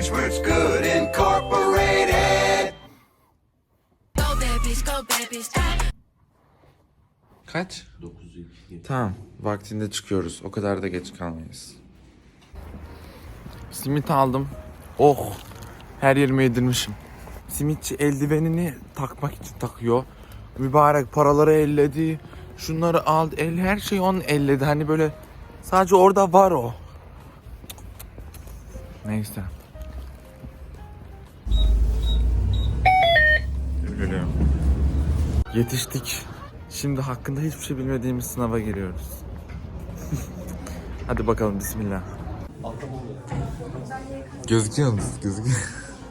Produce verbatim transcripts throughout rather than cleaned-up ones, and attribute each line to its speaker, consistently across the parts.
Speaker 1: Edgeworth's Good Incorporated.
Speaker 2: Go babies, go babies.
Speaker 3: Kaç? Tamam. Vaktinde çıkıyoruz. O kadar da geç kalmayız. Simit aldım. Oh. Her yerime yedirmişim. Simitçi eldivenini takmak için takıyor. Mübarek paraları elledi. Şunları aldı. El, her şeyi onun elledi. Hani böyle sadece orada var o. Neyse. Üzülüyorum. Yetiştik. Şimdi hakkında hiçbir şey bilmediğimiz sınava giriyoruz. Hadi bakalım, bismillah. Gözüküyor musun? Gözüküyor.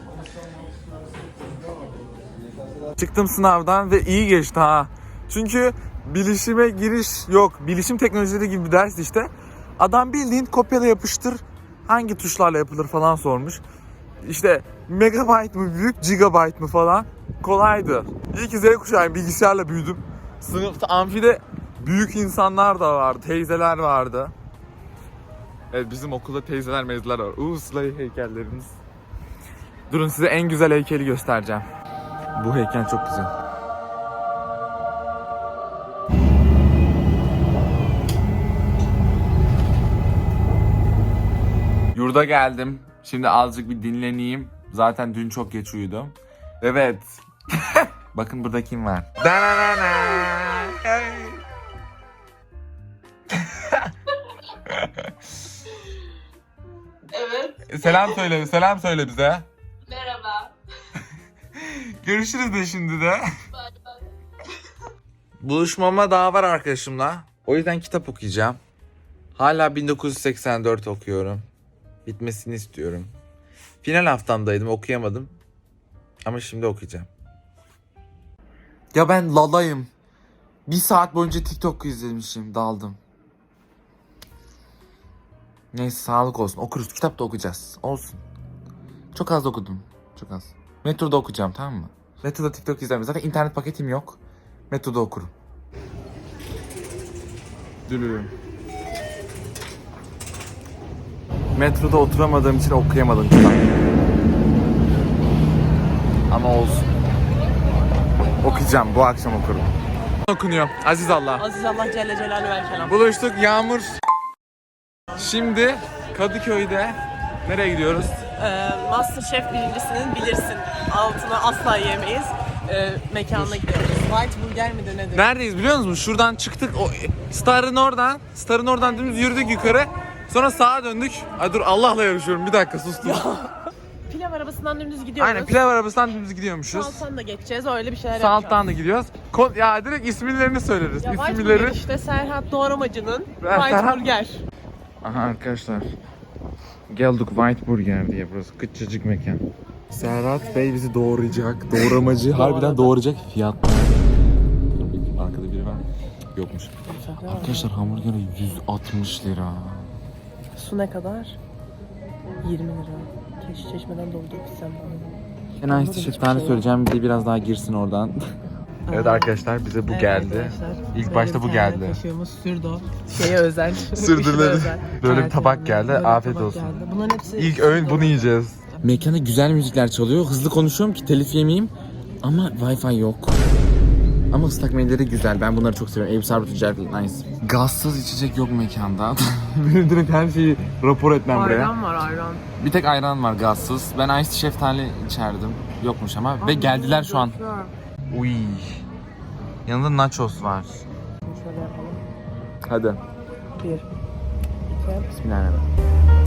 Speaker 3: Çıktım sınavdan ve iyi geçti ha. Çünkü bilişime giriş yok. Bilişim teknolojileri gibi bir ders işte. Adam bildiğin kopyala yapıştır hangi tuşlarla yapılır falan sormuş. İşte megabyte mı büyük, gigabyte mı falan. Kolaydı. İyi ki Z kuşağıyım, bilgisayarla büyüdüm. Sınıfta, amfide büyük insanlar da vardı, teyzeler vardı. Evet, bizim okulda teyzeler mezler var. Uuu, Sıla'yı heykellerimiz. Durun, size en güzel heykeli göstereceğim. Bu heykel çok güzel. Yurda geldim. Şimdi azıcık bir dinleneyim. Zaten dün çok geç uyudum. Evet. Bakın burada kim var?
Speaker 4: Evet.
Speaker 3: Selam söyle, selam söyle bize.
Speaker 4: Merhaba.
Speaker 3: Görüşürüz de şimdi de. Buluşmama daha var arkadaşımla. O yüzden kitap okuyacağım. Hala bin dokuz yüz seksen dört okuyorum. Bitmesini istiyorum. Final haftamdaydım, okuyamadım. Ama şimdi okuyacağım. Ya ben lalayım. Bir saat boyunca TikTok izlemişim, daldım. Neyse, sağlık olsun. Okuruz, kitap da okuyacağız. Olsun. Çok az okudum. Çok az. Metroda okuyacağım, tamam mı? Metroda TikTok izlemiyorum. Zaten internet paketim yok. Metroda okurum. Dülürüm. Metroda oturamadığım için okuyamadım kitap. Ama olsun. Okuyacağım, bu akşam okurum. Okunuyor. Aziz Allah.
Speaker 5: Aziz Allah Celle Celaluhu ve Kelam.
Speaker 3: Buluştuk, Yağmur. Şimdi Kadıköy'de nereye gidiyoruz?
Speaker 5: Ee, Masterchef birincisinin bilirsin. Altına asla yemeyiz. Ee, mekanına gidiyoruz. White Burger mi de nedir?
Speaker 3: Neredeyiz biliyor musunuz? Şuradan çıktık. O Star'ın oradan. Star'ın oradan dümdüz yürüdük yukarı. Sonra sağa döndük. Ay dur, Allah'la yarışıyorum. Bir dakika, sustum.
Speaker 5: Pilav arabasından dümdüz gidiyoruz.
Speaker 3: Aynen, pilav arabasından dümdüz gidiyormuşuz.
Speaker 5: Alttan da geçeceğiz. Öyle bir şeyler
Speaker 3: Sağ
Speaker 5: yapacağız.
Speaker 3: alttan da gidiyoruz. Ko- ya direkt isimlerini söyleriz.
Speaker 5: Ya White
Speaker 3: İsimleri.
Speaker 5: Burger işte Serhat Doğramacı'nın
Speaker 3: Ben
Speaker 5: White
Speaker 3: Serhat-
Speaker 5: Burger.
Speaker 3: Aha arkadaşlar. Geldik White Burger diye, burası küçücük mekan. Serhat Bey bizi doğrayacak. Doğramacı harbiden doğrayacak. Fiyat. Arkada biri var. Yokmuş. Arkadaşlar hamburger yüz altmış lira.
Speaker 5: Su ne kadar? yirmi lira. Keşke çeşmeden doldu pissem bana.
Speaker 3: En ice şeftali söyleyeceğim, bir de biraz daha girsin oradan. Evet arkadaşlar, bize bu
Speaker 5: Evet
Speaker 3: geldi.
Speaker 5: arkadaşlar,
Speaker 3: İlk
Speaker 5: böyle
Speaker 3: başta
Speaker 5: bir
Speaker 3: bu
Speaker 5: tane
Speaker 3: geldi.
Speaker 5: Kaşığımız Sürdo. Şeye özel.
Speaker 3: Sürdürüleri.
Speaker 5: işine özel.
Speaker 3: Böyle bir
Speaker 5: Evet,
Speaker 3: tabak
Speaker 5: yani
Speaker 3: geldi.
Speaker 5: böyle bir
Speaker 3: Afiyet
Speaker 5: tabak
Speaker 3: olsun.
Speaker 5: geldi. Bunların hepsi
Speaker 3: İlk öğün bunu yiyeceğiz. Mekanda güzel müzikler çalıyor. Hızlı konuşuyorum ki telif yemeyeyim. Ama Wi-Fi yok. Ama ıslak mendilleri güzel. Ben bunları çok seviyorum. Eyüp Sarbu Ticaret Nice. Gazsız içecek yok mekanda. Benim direkt her şeyi rapor etmem buraya.
Speaker 5: Ayran var ayran.
Speaker 3: Bir tek ayran var gazsız. Ben ice şeftali içerdim. Yokmuş ama. Ve geldiler şu an. Uy. Yanında nachos var.
Speaker 5: Şöyle yapalım.
Speaker 3: Hadi.
Speaker 5: Bir, iki,
Speaker 3: Bismillahirrahmanirrahim.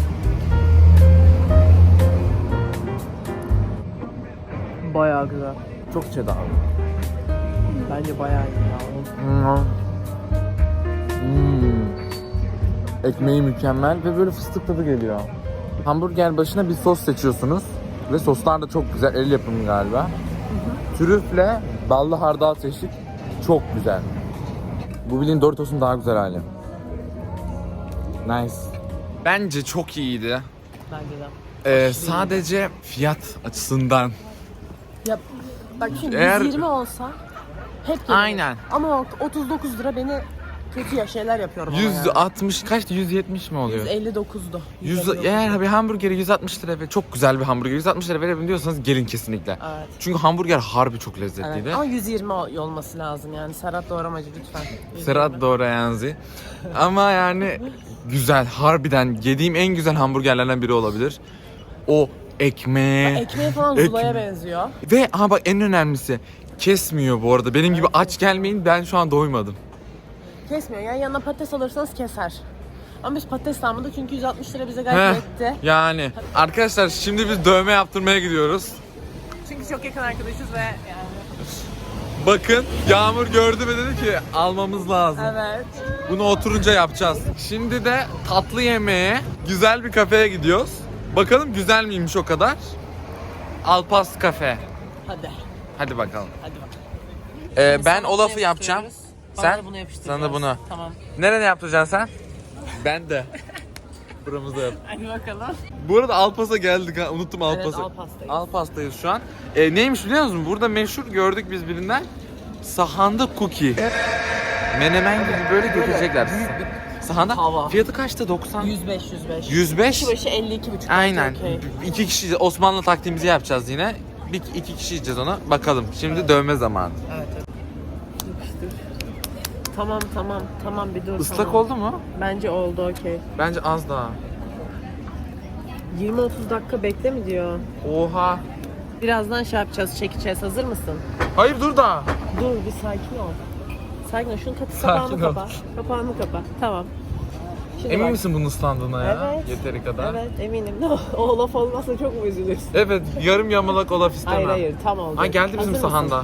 Speaker 5: bayağı güzel.
Speaker 3: Çok cheddar.
Speaker 5: Bence bayağı iyi ya.
Speaker 3: Hmm. Hmm. Ekmeği mükemmel ve böyle fıstık tadı geliyor. Hamburger başına bir sos seçiyorsunuz. Ve soslar da çok güzel. El yapımı galiba. Hı hı. Trüfle ballı hardal seçtik. Çok güzel. Bu bildiğin Doritos'un daha güzel hali. Nice. Bence çok iyiydi.
Speaker 5: Bence de.
Speaker 3: Ee, sadece fiyat açısından.
Speaker 5: Ya bak şimdi
Speaker 3: Eğer-
Speaker 5: yüz yirmi olsa hep gelirim.
Speaker 3: Aynen.
Speaker 5: Ama o otuz dokuz lira beni kötü ya şeyler yapıyorum ama
Speaker 3: yüz
Speaker 5: yani.
Speaker 3: altmış kaçtı? yüz yetmiş mi oluyor?
Speaker 5: yüz elli dokuzdu.
Speaker 3: yüz, eğer bir hamburgeri yüz altmış lira ve çok güzel bir hamburger yüz altmış lira verebilirim diyorsanız gelin kesinlikle.
Speaker 5: Evet.
Speaker 3: Çünkü hamburger harbi çok lezzetliydi.
Speaker 5: Evet. Ama yüz yirmi olması lazım yani. Serhat doğramacı lütfen. yüz
Speaker 3: Serhat
Speaker 5: yirmi.
Speaker 3: doğrayanzi. Ama yani güzel, harbiden yediğim en güzel hamburgerlerden biri olabilir. O ekmeğe.
Speaker 5: Ekmeği falan
Speaker 3: Ek-
Speaker 5: zulaya benziyor.
Speaker 3: Ve aha bak en önemlisi kesmiyor bu arada. Benim gibi aç gelmeyin, ben şu an doymadım.
Speaker 5: Kesmiyor yani yanına patates alırsanız keser. Ama biz patates almadık çünkü yüz altmış lira bize gayet
Speaker 3: Heh,
Speaker 5: etti.
Speaker 3: yani arkadaşlar şimdi biz dövme yaptırmaya gidiyoruz.
Speaker 5: Çünkü çok yakın arkadaşız ve yani.
Speaker 3: Bakın Yağmur gördü ve dedi ki almamız lazım.
Speaker 5: Evet.
Speaker 3: Bunu oturunca yapacağız. Şimdi de tatlı yemeğe güzel bir kafeye gidiyoruz. Bakalım güzel miymiş o kadar. Alpas Kafe.
Speaker 5: Hadi.
Speaker 3: Hadi bakalım.
Speaker 5: Hadi bakalım.
Speaker 3: Ee, ben
Speaker 5: Sana
Speaker 3: o
Speaker 5: bunu
Speaker 3: lafı yapacağım.
Speaker 5: yapıştırıyoruz. Bana
Speaker 3: Sen?
Speaker 5: da bunu yapıştıracağız.
Speaker 3: Sana da bunu.
Speaker 5: Tamam.
Speaker 3: Nereye yaptıracaksın sen? Ben de. Buramızda yap.
Speaker 5: Hadi bakalım.
Speaker 3: Bu arada Alpas'a geldik ha. Unuttum
Speaker 5: Evet,
Speaker 3: Alpas'ı.
Speaker 5: Alpas'tayız.
Speaker 3: Alpas'tayız şu an. Ee, neymiş biliyor musun? Burada meşhur gördük biz birinden. Sahanda cookie. Menemen gibi böyle götürecekler sizi. Sahanda
Speaker 5: Tava.
Speaker 3: fiyatı kaçtı? doksan.
Speaker 5: yüz beş yüz beş.
Speaker 3: yüz beş.
Speaker 5: Kişi başı elli iki buçuk.
Speaker 3: Aynen.
Speaker 5: Okay.
Speaker 3: İki kişi Osmanlı taktiğimizi yapacağız yine. Bir iki kişi yiyeceğiz onu. Bakalım. Şimdi dövme zamanı.
Speaker 5: Evet, evet. Yapıştır. Tamam tamam tamam bir dur.
Speaker 3: Islak
Speaker 5: tamam.
Speaker 3: oldu mu?
Speaker 5: Bence oldu okey.
Speaker 3: Bence az daha.
Speaker 5: yirmi otuz dakika bekle mi diyor.
Speaker 3: Oha.
Speaker 5: Birazdan şey yapacağız, çekeceğiz. Hazır mısın?
Speaker 3: Hayır dur da.
Speaker 5: Dur bir sakin ol. Sakin ol. Şunun katı
Speaker 3: Sakin
Speaker 5: kapağını
Speaker 3: ol.
Speaker 5: kapa. Kapağını kapa. Tamam. Şimdi
Speaker 3: Emin
Speaker 5: bak.
Speaker 3: misin bunun ıslandığına ya?
Speaker 5: Evet.
Speaker 3: Yeteri kadar.
Speaker 5: Evet eminim. Ne o, o laf olmazsa çok mu üzülürsün?
Speaker 3: Evet, yarım yamalak olaf istemem.
Speaker 5: Hayır hayır tam oldu.
Speaker 3: Ha geldi bizim
Speaker 5: Hazır mısın?
Speaker 3: sahanda.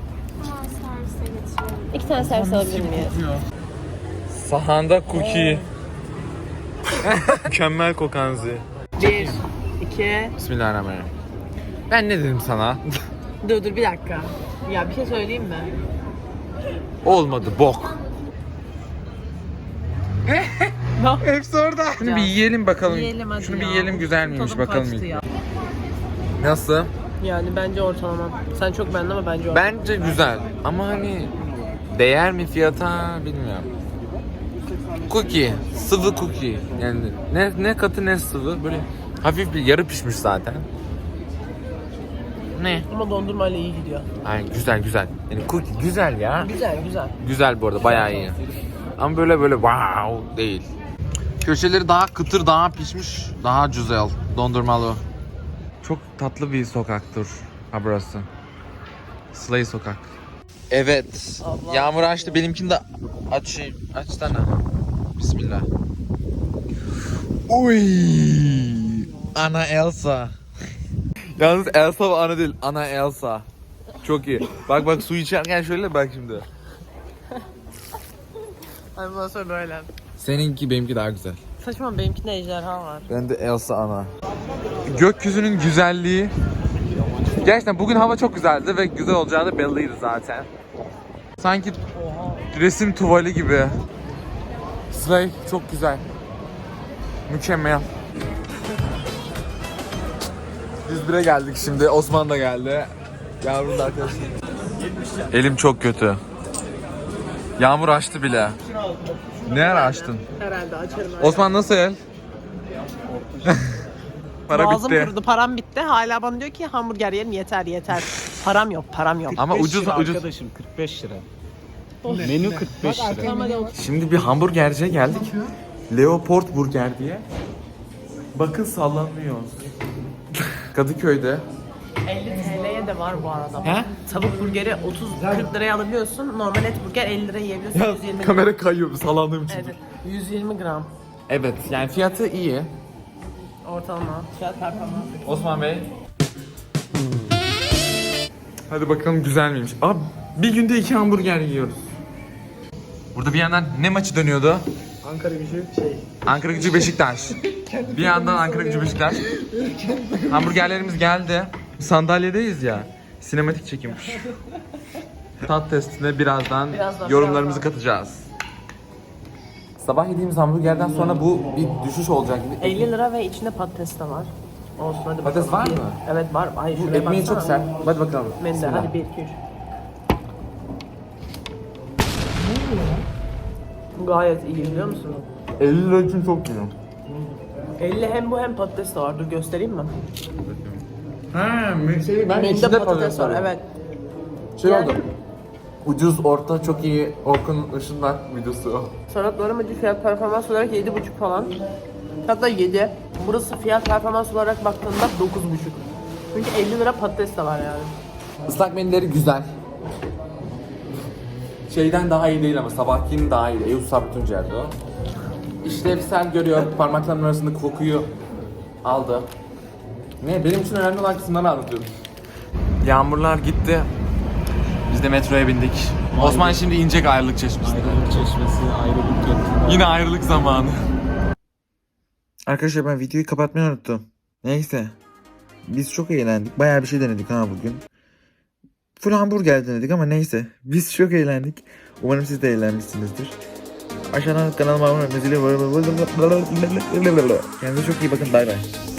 Speaker 5: İki tane servis alabilir miyiz?
Speaker 3: Sahanda cookie. Mükemmel kokanzi.
Speaker 5: Bir, iki.
Speaker 3: Bismillahirrahmanirrahim. Ben ne dedim sana?
Speaker 5: Dur dur bir dakika. Ya bir şey söyleyeyim mi?
Speaker 3: Olmadı bok.
Speaker 5: Ne?
Speaker 3: Hepsi orada. Şunu bir yiyelim bakalım.
Speaker 5: Yiyelim hadi
Speaker 3: Şunu bir
Speaker 5: ya.
Speaker 3: yiyelim güzel miymiş
Speaker 5: Tadım
Speaker 3: bakalım.
Speaker 5: kaçtı ya.
Speaker 3: Nasıl?
Speaker 5: Yani bence ortalama. Sen çok beğendin ama bence ortalama.
Speaker 3: Bence güzel ama hani değer mi fiyata bilmiyorum. Cookie, sıvı cookie. Yani ne ne katı ne sıvı, böyle hafif bir yarı pişmiş zaten. Ne?
Speaker 5: Ama dondurmayla iyi gidiyor.
Speaker 3: Ay güzel güzel. Yani cookie güzel ya.
Speaker 5: Güzel güzel.
Speaker 3: Güzel bu arada bayağı iyi. Ama böyle böyle wow değil. Köşeleri daha kıtır, daha pişmiş, daha güzel. Dondurmalı. Çok tatlı bir sokaktır ha burası. Slay sokak. Evet.
Speaker 5: Allah
Speaker 3: Yağmur açtı. Benimkini de aç açsana. Bismillah. Uy! Ana Elsa. Yalnız Elsa ve ana değil, ana Elsa. Çok iyi. Bak bak su içerken şöyle bak şimdi.
Speaker 5: Ay bundan sonra böyle.
Speaker 3: Seninki benimki daha güzel.
Speaker 5: Saçma benimkinde ejderha var.
Speaker 3: Ben de Elsa ana. Gökyüzünün güzelliği. Gerçekten bugün hava çok güzeldi ve güzel olacağı da belliydi zaten. Sanki resim tuvali gibi. Slay çok güzel. Mükemmel. yüz bire geldik şimdi. Osman da geldi. Yağmur'un da arkadaşı. Elim çok kötü. Yağmur açtı bile. Ne ara açtın?
Speaker 5: Herhalde açarım.
Speaker 3: Osman nasıl el? Para
Speaker 5: Boğazım
Speaker 3: bitti.
Speaker 5: kurudu, param bitti. Hala bana diyor ki hamburger yerim yeter yeter. Param yok, param yok.
Speaker 3: Ama ucuz
Speaker 4: lira
Speaker 3: ucuz.
Speaker 4: Arkadaşım kırk beş lira. Menü kırk beş lira.
Speaker 3: Şimdi bir hamburgerciye geldik. Leopold Burger diye. Bakın sallanıyor. Kadıköy'de.
Speaker 5: elli T L'ye de var bu arada.
Speaker 3: He?
Speaker 5: Tavuk burgeri otuz kırk liraya alabiliyorsun. Normal et burger elli liraya yiyebiliyorsun. yüz yirmi gram.
Speaker 3: Kamera kayıyor sallandığım için.
Speaker 5: Evet. yüz yirmi gram.
Speaker 3: Evet yani fiyatı iyi.
Speaker 5: Ortalama. Fiyat performans.
Speaker 3: Osman Bey. Hadi bakalım güzel miymiş. Abi bir günde iki hamburger yiyoruz. Burada bir yandan ne maçı dönüyordu?
Speaker 4: Ankara gücü şey.
Speaker 3: Ankara Gücü Beşiktaş. Bir yandan Ankara Gücü Beşiktaş. Hamburgerlerimiz geldi. Sandalyedeyiz ya. Sinematik çekilmiş. Tat testine birazdan,
Speaker 5: Birazdan,
Speaker 3: yorumlarımızı
Speaker 5: birazdan.
Speaker 3: katacağız. Sabah yediğimiz hamburgerden sonra bu bir düşüş olacak gibi.
Speaker 5: elli lira ve içinde patates de var. Olsun hadi
Speaker 3: Patates
Speaker 5: bakalım.
Speaker 3: var mı?
Speaker 5: Evet var. Hayır
Speaker 3: Bu
Speaker 5: şuraya
Speaker 3: ekmeği
Speaker 5: baksana.
Speaker 3: çok sert. Hadi bakalım.
Speaker 5: Menüde
Speaker 3: Bismillah.
Speaker 5: hadi bir iki üç. Bu gayet iyi biliyor musun?
Speaker 3: elli lira için çok iyi.
Speaker 5: elli hem bu hem patates de var. Dur göstereyim mi?
Speaker 3: Ha, şey ben
Speaker 5: Menüde patates var evet.
Speaker 3: Şey
Speaker 5: Yani-
Speaker 3: oldu. Ucuz, orta, çok iyi Orkun Işınlar videosu o.
Speaker 5: Sanatlarım acı fiyat performans olarak yedi buçuk falan. Hatta yedi. Burası fiyat performans olarak baktığında dokuz buçuk. Çünkü elli lira patates de var yani.
Speaker 3: Islak menüleri güzel. Şeyden daha iyi değil ama sabahkinin daha iyi. Eyüp Sabri Tuncer'di o. İşlevsel görüyor, parmaklarının arasında kokuyu aldı. Ne, benim için önemli olan kısımları anlatıyorum. Yağmurlar gitti. Biz de metroya bindik. Osman şimdi inecek ayrılık çeşmesine.
Speaker 4: Ayrılık çeşmesi, ayrılık köprüsü.
Speaker 3: Yine ayrılık zamanı. Arkadaşlar ben videoyu kapatmayı unuttum. Neyse. Biz çok eğlendik. Bayağı bir şey denedik ha bugün. Full hamburger denedik ama neyse. Biz çok eğlendik. Umarım siz de eğlenmişsinizdir. Aşağıdan kanalıma abone olmayı, zili- Kendinize çok iyi bakın. Bay bay.